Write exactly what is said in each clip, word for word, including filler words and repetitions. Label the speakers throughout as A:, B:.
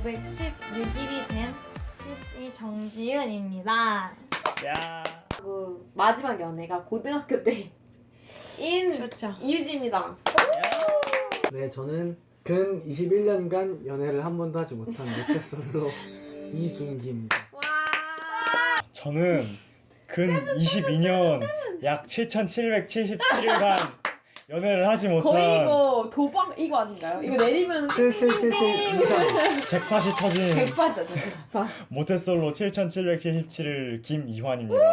A: 오백십육 일이 된 씨씨 정지은입니다.
B: 야.
C: 그 마지막 연애가 고등학교 때인
A: 그렇죠.
C: 이유진입니다.
D: 네, 저는 근 이십일 년간 연애를 한 번도 하지 못한 모태솔로 이준기입니다.
C: 와.
B: 저는 근 이십이 년 약 칠천칠백칠십칠 일간 연애를 하지 못한
C: 거의 이거 도박 이거 아닌가요? 이거 내리면
D: 칠칠칠칠 이상.
B: 잭팟이 터진
C: 백파죠, 백파.
B: 모태솔로 칠천칠백칠십칠 일 김이환입니다.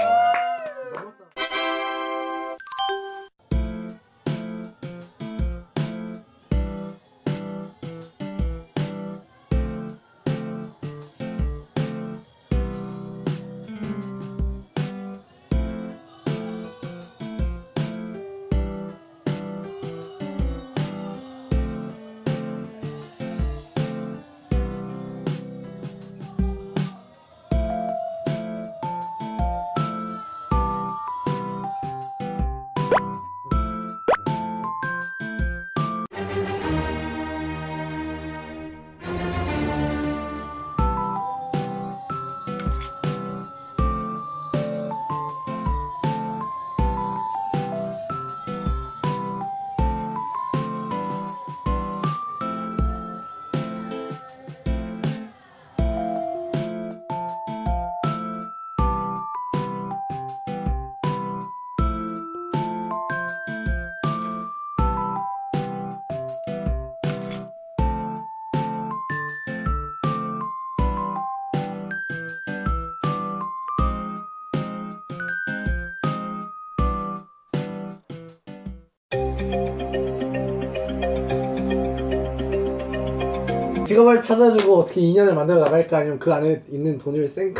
D: 직업을 찾아주고 어떻게 인연을 만들어 나갈까, 아니면 그 안에 있는 돈을 쌩까.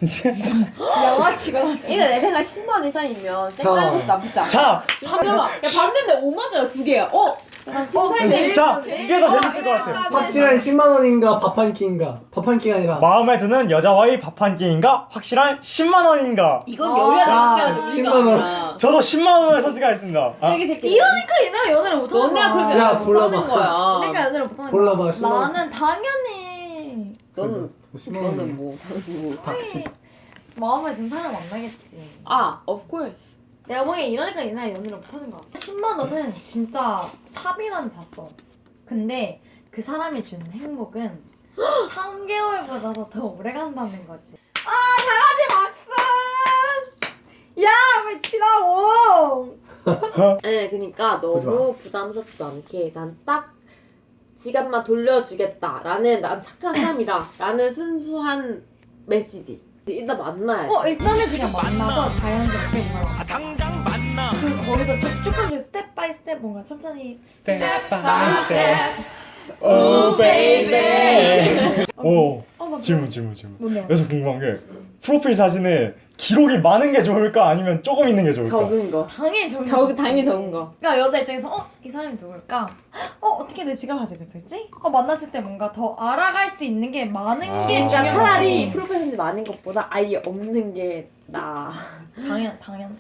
A: 양아치가 나지.
C: 이거 내 생각 십만 원 이상이면 쌩까는 것도 나쁘지 않아.
B: 자,
C: 잠깐만. 야 봤는데 오만 원짜리 두 개야. 어? 약간 신사임당.
B: 자, 이게 더 재밌을 것 같아.
D: 확실한 십만 원인가 밥 한 끼인가. 밥 한 끼가 아니라
B: 마음에 드는 여자와의 밥 한 끼인가? 확실한 십만 원인가?
C: 이건
A: 아,
C: 여유가 남겨야지 우리가.
D: 십만 원.
C: 아니라.
B: 저도 십만 원을 선택하겠습니다. 아,
C: 쓰레기 새끼.
A: 이러니까 얘네가 연애를 못하는
C: 너네가
A: 거야.
C: 그렇게
D: 야,
C: 못
D: 골라봐.
C: 하는 거야.
A: 그러니까 연애를 못하는
D: 골라봐,
A: 거야.
D: 십만 원.
A: 나는 당연히
C: 너는
D: 십만 원.
C: 너는 뭐? 너는 뭐?
D: 닥치.
A: 마음에 든 사람 만나겠지.
C: 아, of course.
A: 내가 보기엔 이러니까 얘네가 연애를 못하는 거야. 십만 원은 진짜 사비만 샀어. 근데 그 사람이 준 행복은 삼 개월보다도 더 오래 간다는 거지. 아, 잘하지 막슨! 야, 왜 치라고!
C: 네, 그러니까
D: 보지 마.
C: 너무 부담스럽지 않게 난 딱 지갑만 돌려주겠다라는 난 착한 사람이다라는 순수한 메시지. 일단 만나야
A: 어,
C: 돼.
A: 일단은 그냥 만나서 자연스럽게 뭔가
E: 당장 만나
A: 그 거기서 조, 조금씩 스텝 바이 스텝 뭔가 천천히
B: 스텝 바이 스텝. 오 베이비. 오.
A: 어, 나
B: 질문 질문 질문.
A: 뭔데요?
B: 그래서 궁금한 게 프로필 사진에 기록이 많은 게 좋을까 아니면 조금 있는 게 좋을까?
C: 적은 거.
A: 당연히 적은
C: 적
A: 거지.
C: 당연히 적은 거.
A: 그러니까 여자 입장에서 어? 이 사람이 누굴까? 어? 어떻게 내 지갑 가지고 있었지? 어? 만났을 때 뭔가 더 알아갈 수 있는 게 많은
B: 아.
A: 게
C: 그러니까
A: 중요하지.
C: 차라리 프로필 사진 많은 것보다 아예 없는 게 나아.
A: 당연 당연.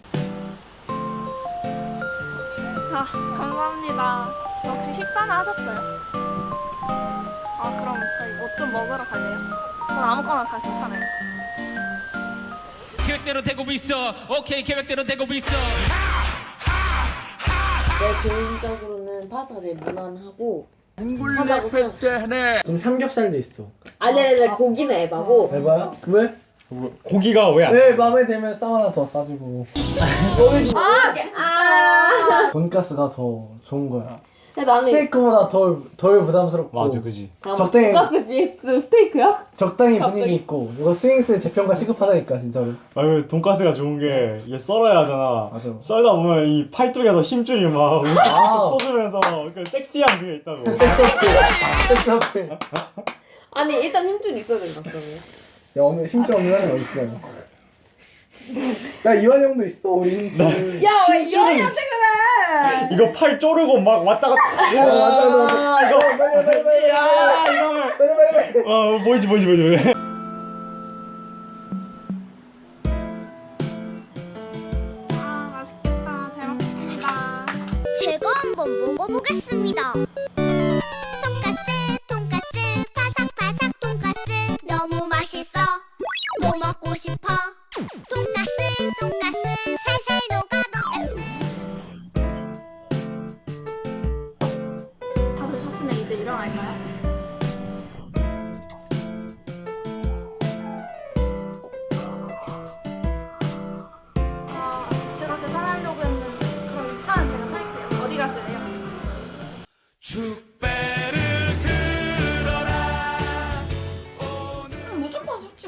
F: 아, 감사합니다. 혹시 식사는 하셨어요? 아, 그럼 저희 뭐 좀 먹으러 갈래요? 전 아무거나 다 괜찮아요.
E: 계획대로 되고 있어 오케이 계획대로 되고 있어
C: 내 개인적으로는 파스타가 제일 무난하고
E: 둥글레 페스테네
D: 지금 삼겹살도 있어.
C: 아니 아니 아니 고기는 에바고
D: 에바야? 왜?
B: 뭐, 고기가 왜 안?
D: 왜 마음에 들면 쌈 하나 더 싸주고.
C: 아, 아.
D: 돈가스가 더 좋은 거야.
C: 나는
D: 스테이크보다 덜, 덜 부담스럽고.
B: 맞아, 그지.
D: 적당히-
C: 돈가스 vs 스테이크야?
D: 적당히
C: 갑자기.
D: 분위기 있고. 이거 스윙스 재평가 시급하다니까 진짜로.
B: 아유, 돈가스가 좋은 게 이게 썰어야 하잖아.
D: 맞아.
B: 썰다 보면 이 팔뚝에서 힘줄이 막
D: 아.
B: 쏟으면서 그 섹시한 그게 있다고.
D: 섹스 어필. 섹스 어필.
C: 아니 일단 힘줄 있어야 된다 그러면.
D: 야, 오늘 힘줄 없는 사람이 어딨어. 야, 이완 형도 있어, 우리 힘줄.
A: 야, 왜
B: 힘줄은
A: 이러냐고 그래?
B: 이거 팔 쪼르고 막 왔다 갔다.
D: 야, 맞아, 맞아.
B: 아, 이거
D: 빨리, 빨리, 빨리, 빨리.
B: 야, 이거면
D: 빨리, 빨리, 빨리.
B: 어, 보이지 보이지 보이지. 보이지.
F: 아, 맛있겠다. 잘 먹겠습니다.
G: 제가 한번 먹어보겠습니다. 돈가스, 돈가스, 바삭바삭 돈가스.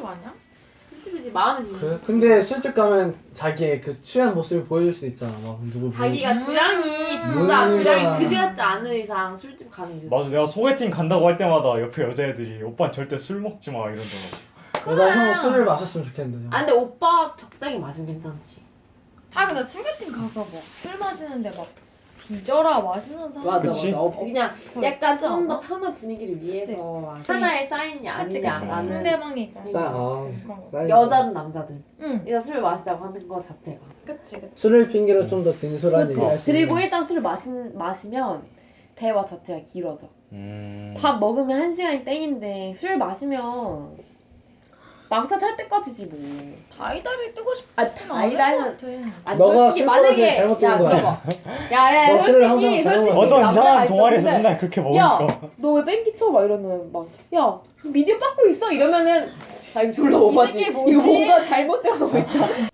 A: 술집 아니야?
C: 술집이지 마음에 드는.
D: 그래? 근데 술집 가면 자기의 그 취한 모습을 보여줄 수 있잖아. 막 누구
C: 자기가
A: 음.
C: 주량이 진짜
D: 음.
C: 주량이 그지 같지 않은 이상 술집 가는 게.
B: 맞아, 내가 소개팅 간다고 할 때마다 옆에 여자애들이 오빠 절대 술 먹지 마 이러더라고.
D: 나형 술을 마셨으면 좋겠는데.
C: 아 근데 오빠 적당히 마시면 괜찮지.
A: 아 근데 소개팅 가서 막 술 마시는데 막 뒤져라 마시는 사람
C: 맞아
B: 그치?
C: 맞아. 어, 그냥
A: 그거
C: 약간
A: 있지
C: 좀 더
A: 않아?
C: 편한 분위기를 위해서
A: 그치.
C: 하나의 사인이
A: 그치 그치
C: 아니냐라는
A: 상대방이 좀
D: 싸- 어.
A: 그런 거.
D: 싸-
C: 여자든 남자든
A: 응
C: 일단 술 마시자고 하는 거 자체가.
A: 그치 그치
D: 술을 핑계로 좀 더 진솔한
C: 그렇죠.
D: 얘기할 수
C: 그리고
D: 있는.
C: 일단 술을 마신, 마시면 대화 자체가 길어져.
B: 음.
C: 밥 먹으면 한 시간이 땡인데 술 마시면 막사 탈 때까지지 뭐.
A: 다이다리 뜨고 싶은
C: 아 다이라면 아니
D: 너가
C: 솔직히
D: 술
C: 만약에
D: 버릇에 잘못된
C: 야
D: 거야.
C: 들어봐. 야야
D: 너 술을
C: 솔직히
D: 항상 잘못
C: 솔직히
D: 먹어.
B: 어떤
C: 남자가
B: 이상한
C: 있어.
B: 동아리에서
C: 근데
B: 맨날 그렇게
C: 야
B: 먹으니까.
C: 너 왜 뺑기 쳐? 막 이러는 막야 미디어 받고 있어 이러면은 아 이거 졸라 오바지.
A: 새끼 뭐지?
C: 이거 뭔가 잘못되어 있다.